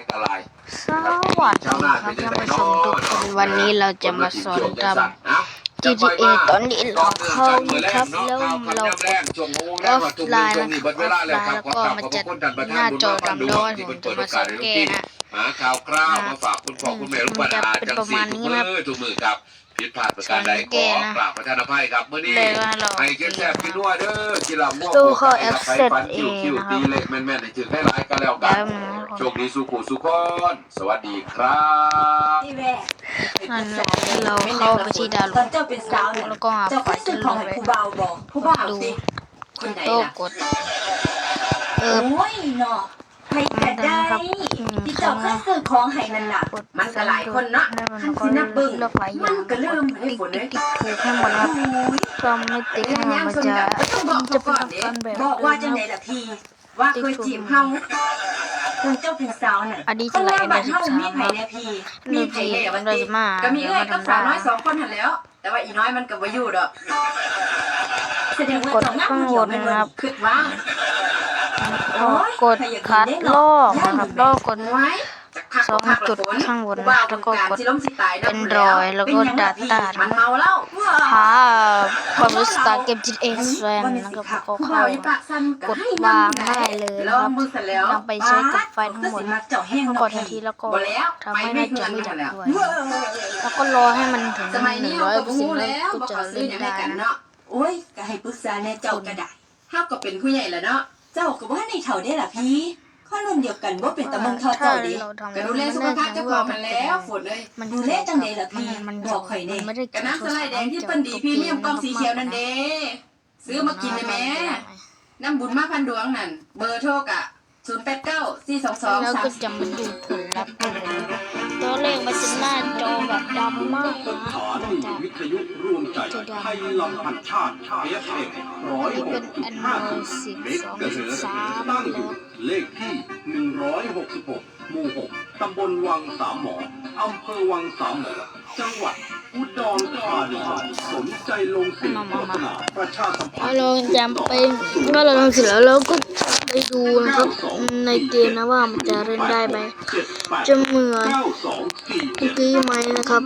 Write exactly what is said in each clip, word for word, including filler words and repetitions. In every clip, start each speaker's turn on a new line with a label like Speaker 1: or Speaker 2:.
Speaker 1: ตราย
Speaker 2: สวัสดีครับท่านผู้ชมทุกคนวันนี้เราจะมาสอนทำ จี ที เอ ตอนนี้เราเข้าครับแล้วเรากดออฟไลน์นะครับออฟไลน์แล้วก็มันจะหน้าจอดำด้วยผมจะมาสอนแก้นะ
Speaker 1: หาข่าวคราวมาฝากคุณพ่อคุณแม่ลูกบ้านอาจังสี่ทุกมือทุกมือครับผิดพลาดประการใดขอกราบประทานอภัยครับเมื่อนี้ให้เก็บแซ่บกินด้วยเด้อกินเหล้าง่วง
Speaker 2: ตู้เขาแอป
Speaker 1: ไป
Speaker 2: เสร็จ
Speaker 1: ฟัน
Speaker 2: เอ
Speaker 1: คิ้ว
Speaker 2: ง
Speaker 1: คิ้ว
Speaker 2: นะครับ
Speaker 1: ตีเล็กแม่นๆในถึงให้ร้ายก็แล้วกันโชคดีสุขุสุขคนสวัสดีครับ
Speaker 2: นั่นเราเข้าไปที่ดาวน์โหลดแล้วก็หาไฟล์ที่ลงไปดูโต้กดเออ
Speaker 3: โอ้ยเนาะใครก็ได้ที่เจ้าเคยซื้อของให้นั่นน่ะมันก็หลายคนเนาะคันสินับเบิ่งมันก็เริ่มให้ฝนเลย
Speaker 2: ถูกให้หมดครับก็ไม่ติดให้มันจะจะเป็นขั้นแบบ
Speaker 3: บอกว่าจังได๋ล่ะพี่ว่าเคยจีบเฮาคุณเจ้าเป็นสาวน่ะ
Speaker 2: อันนี้จะไหลในสิบสาม
Speaker 3: มีไผแน่พี่
Speaker 2: มี
Speaker 3: มี
Speaker 2: ไผ
Speaker 3: ไผ
Speaker 2: แน่
Speaker 3: แน่
Speaker 2: มั
Speaker 3: วัน น
Speaker 2: เรา
Speaker 3: ติ
Speaker 2: จะมา
Speaker 3: ก็มีเอ้ยกับสาวน้อยสองคนหั่นแล้วแต่ว่าอีน้อยมันก็บ่อยู่ดอกแสดงว่าก
Speaker 2: ดข้างบนนะครับ
Speaker 3: คิดว่า
Speaker 2: กดคัดลอกนะครับลอกกด
Speaker 3: ไว้
Speaker 2: สองจุดข้างบนแล้วก็กด Android แล้วก็ Data
Speaker 3: มันเมาแล้ว
Speaker 2: หาความรู้สึกเกม จี ที เอ แฟนนะครับแล้วก็เข้ากดวางได้เลยนะครับนำไปใช้กับไฟล์ทั้งหมดกดทันทีแล้วก็ทำให้หน้าจอไม่ดับด้วยแล้วก็รอให้มันถึง
Speaker 3: สมัย
Speaker 2: หนึ่
Speaker 3: นี้
Speaker 2: ง
Speaker 3: เรา
Speaker 2: ร้อย
Speaker 3: ก็
Speaker 2: เปอร์
Speaker 3: บ่
Speaker 2: เซ็นต์
Speaker 3: ฮู้
Speaker 2: แล้ว
Speaker 3: แล้ว
Speaker 2: ก็
Speaker 3: บ่
Speaker 2: จะ
Speaker 3: ขอซื้อ
Speaker 2: เล่น
Speaker 3: หยัง
Speaker 2: ได้
Speaker 3: ให้กัน
Speaker 2: นะ
Speaker 3: เนาะโอ้ยก็ให้ปรึกษาแน่เจ้าก็ได้เฮาก็เป็นผู้ใหญ่แล้วเนาะเจ้าก็บ่ทันได้เฒ่าได้ล่ะพี่ข้อรุ่นเดียวกันบ่เป็นตะมึงเท่าเจ้าดิก็ดูแลสุขภาพเจ้าของมันแล้วฝนเลยดูแลจังได๋ล่ะพี่บอกข่อยแน่ก็น้ำสไลด์แดงที่เปิ้นดีพรีเมียมกล่องสีเขียวนั่นเด้ซื้อมากินได้แม่น้ำบุญมาพันดวงนั่นเบอร์โทรกะศูนย์ แปด เก้า สี่ สอง สอง
Speaker 2: แล้ว
Speaker 3: สาม
Speaker 2: ก็จะมาดูผลลัพธ์ตัวเลขมันจะหน้าจอแบบดำมากนะ
Speaker 4: สถานีวิทยุร่วมใจไทยลำพันชาติ เอฟ เอ็ม ร้อย
Speaker 2: นี่
Speaker 4: ห
Speaker 2: เป็
Speaker 4: ก
Speaker 2: น
Speaker 4: จุ
Speaker 2: อั
Speaker 4: ด
Speaker 2: น
Speaker 4: ห้า
Speaker 2: โนสิบ
Speaker 4: เม
Speaker 2: สอง
Speaker 4: กะเฮิรต
Speaker 2: สาม
Speaker 4: ตั้งอ
Speaker 2: แล้
Speaker 4: ยู่
Speaker 2: ว
Speaker 4: เลขที่หนึ่งร้อยหกสิบหกหมู่หกตำบลวังสามหมออำเภอวังสามหมอจังหวัดอุดรธานีสนใจลงติดโฆษณาประชาสัมพันธ์
Speaker 2: เราจำไปเมื่อเราทำเสร็จแล้วเราก็ไปดูนะครับในเกมนะว่ามันจะเล่นได้ไหมจะเหมือนเมื่อกี้ไหมนะครับ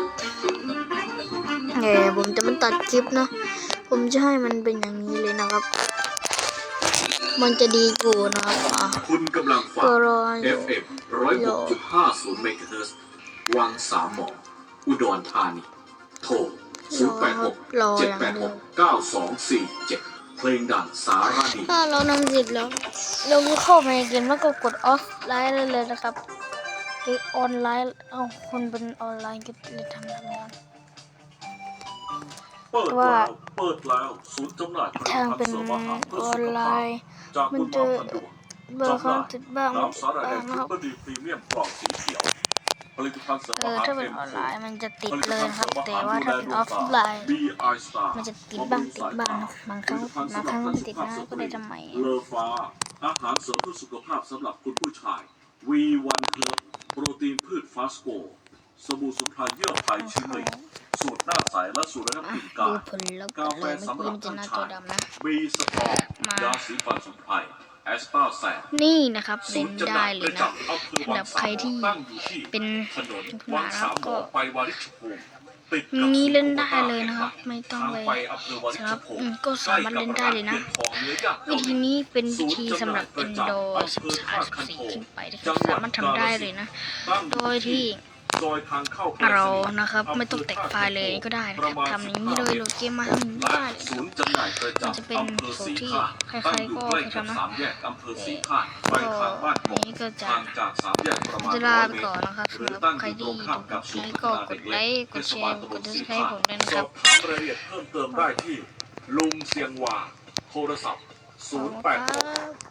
Speaker 2: เออผมจะไม่ตัดคลิปนะ ผมจะให้มันเป็นอย่างนี้เลยนะครับ มันจะดีกว่านะครับอ่ะ
Speaker 1: คุณกำลังฟัง
Speaker 2: ก็รอ
Speaker 1: เอฟ เอ็ม ร้อยหกจุดห้าศูนย์เมกะเฮิรตซ์วังสามหมออุดรธานีโทรศูนย์แปดหก เจ็ดแปดหก เก้าสองสี่เจ็ดเพลงดังสารดี
Speaker 2: ถ้าเราทำเสร็จแล้วเราก็เข้าไปในเกมแล้วก็กดออฟไลน์ได้เลยนะครับเกมออนไลน์เอาคนเป็นออนไลน์ก็เลยทำแบบนั้น
Speaker 5: เปิดแล้วเปิดแล้วศูนย์จำหน่ายผลิต
Speaker 2: ทาง
Speaker 5: ภัณฑ์
Speaker 2: เป็น
Speaker 5: เสริมอาหารเพื่
Speaker 2: อ
Speaker 5: อ
Speaker 2: อ
Speaker 5: สุ
Speaker 2: น
Speaker 5: ข
Speaker 2: ไล
Speaker 5: ภาพ
Speaker 2: น์
Speaker 5: จาก
Speaker 2: มั
Speaker 5: คุ
Speaker 2: น
Speaker 5: ณ
Speaker 2: จะ
Speaker 5: มาพันดวง
Speaker 2: เบอร์เขาติดบ้างไม่
Speaker 5: น้ำสา
Speaker 2: ติด
Speaker 5: หร่ายแด
Speaker 2: บ้าง
Speaker 5: ง
Speaker 2: นะ
Speaker 5: ซุ
Speaker 2: ครับ
Speaker 5: ปเปอร์ดีพรีเมียมกล่องสีเขียวผลิตภัณฑ์เสริม
Speaker 2: เอ
Speaker 5: อา
Speaker 2: อ
Speaker 5: หาร
Speaker 2: ถ้าเป็น
Speaker 5: เอ็ม
Speaker 2: ออน
Speaker 5: โฟ
Speaker 2: ไลน์มันจะติด
Speaker 5: ผลิต
Speaker 2: เลย
Speaker 5: ภัณฑ์
Speaker 2: นะค
Speaker 5: เส
Speaker 2: รับ
Speaker 5: ริมอา
Speaker 2: แต่
Speaker 5: หาร
Speaker 2: ว่า
Speaker 5: ดูแล
Speaker 2: ถ้าเป็น
Speaker 5: ด
Speaker 2: อ
Speaker 5: ว
Speaker 2: อง ฟ
Speaker 5: ตา
Speaker 2: ไลน์
Speaker 5: บี ไอ Star
Speaker 2: มันจะติดบ้างติดบ้างนะบางครั้งบางครั้งไม่ติดนะก็เลยทำใหม่
Speaker 5: เลอฟ้าอาหารเสริมเพื่อสุขภาพสำหรับคุณผู้ชาย วี วัน เฮิร์บโปรตีนพืชฟาสโกสบู่สมุนไพรเยื่อไผ่ชิมิกสูตรหน้าใสและสูตรระงับกลิ่นกา
Speaker 2: ดู
Speaker 5: ย
Speaker 2: ผลแล้ว
Speaker 5: กา
Speaker 2: ก็
Speaker 5: แฟ
Speaker 2: เลยเมื่อ
Speaker 5: สำห
Speaker 2: กี้
Speaker 5: รับ
Speaker 2: มันจะ
Speaker 5: ท่าน
Speaker 2: หน้าจ
Speaker 5: ชา
Speaker 2: อย ดำนะ
Speaker 5: บีสตรอง
Speaker 2: มา
Speaker 5: ยาสีฟันสมุนไพรแอสตาแซน
Speaker 2: นี่นะครับ
Speaker 5: ศู
Speaker 2: เล่
Speaker 5: น
Speaker 2: น
Speaker 5: ย์จำห
Speaker 2: ได้
Speaker 5: น่าย
Speaker 2: เล
Speaker 5: ป
Speaker 2: ย
Speaker 5: ระ
Speaker 2: นะ
Speaker 5: จำอำเภอวังสามหมอตั้งอยู่ที่
Speaker 2: เป็น
Speaker 5: ถนน
Speaker 2: คุณ
Speaker 5: วัง
Speaker 2: หา
Speaker 5: สามหม
Speaker 2: ก็
Speaker 5: อไปวาริชภูมิติดกับ
Speaker 2: นี้เล่นได้เลยนะครับไม่ต้อง
Speaker 5: ทาง
Speaker 2: ไป
Speaker 5: ไปอำเภอวาริ
Speaker 2: สำ
Speaker 5: ช
Speaker 2: หรับ
Speaker 5: ภู
Speaker 2: อื
Speaker 5: มิ
Speaker 2: มก็สามารถเล่นได้เลยนะ วิธีนี้เป็นวิธีสำหรับ Android สิบสาม สิบสี่ขึ้นไปนะครับสามารถทำได้เลยนะ โดยที่
Speaker 5: ซอยทางเข้า
Speaker 2: เรานะครับไม่ต้องแตกไฟล์เลยก็ได้นะครับทำอย่างนี้เลยโหลดเกมมาทำอย่างนี้ก็ได้เลย
Speaker 5: ศูนย์จำหน่ายประ
Speaker 2: มันจะ
Speaker 5: จำ
Speaker 2: เป็น
Speaker 5: อำเภอ
Speaker 2: สูตร
Speaker 5: สี
Speaker 2: ที่
Speaker 5: ข้า
Speaker 2: ใคร
Speaker 5: ตั้ง
Speaker 2: ๆ
Speaker 5: อยู่
Speaker 2: ก็
Speaker 5: ใกล้
Speaker 2: เคย
Speaker 5: กับ
Speaker 2: ทำนะ
Speaker 5: สามแยกอำเภอสีข้าไปทางบ้าน
Speaker 2: อันนี้ก็จะ
Speaker 5: ห่างจากสามแยกประมาณ
Speaker 2: จะ
Speaker 5: ร้
Speaker 2: ลา
Speaker 5: อย
Speaker 2: ไป
Speaker 5: เม
Speaker 2: ก่อน
Speaker 5: ตร
Speaker 2: นะครับ
Speaker 5: หรือ
Speaker 2: สำหรับ
Speaker 5: ตั้ง
Speaker 2: ใค
Speaker 5: อ
Speaker 2: ร
Speaker 5: ยู่ต
Speaker 2: ที่
Speaker 5: รงข้ามกับศู
Speaker 2: ใช้
Speaker 5: นย์
Speaker 2: ก็
Speaker 5: พัฒ
Speaker 2: ก
Speaker 5: นา
Speaker 2: ด
Speaker 5: เด็ก
Speaker 2: ไล
Speaker 5: เล็ก
Speaker 2: ค์กด
Speaker 5: เทศ
Speaker 2: แช
Speaker 5: บาล
Speaker 2: ร์
Speaker 5: ตำ
Speaker 2: ก
Speaker 5: บ
Speaker 2: ด
Speaker 5: ล
Speaker 2: ติด
Speaker 5: สี
Speaker 2: ตาม
Speaker 5: ข้า
Speaker 2: ผมด้วยนะ
Speaker 5: ส
Speaker 2: ครั
Speaker 5: อ
Speaker 2: บบ
Speaker 5: ถามรายละเอียดเพิ่มเติมได้ที่ลุงเสียงหว่าโทรศัพท์ศูนย์ แปดหก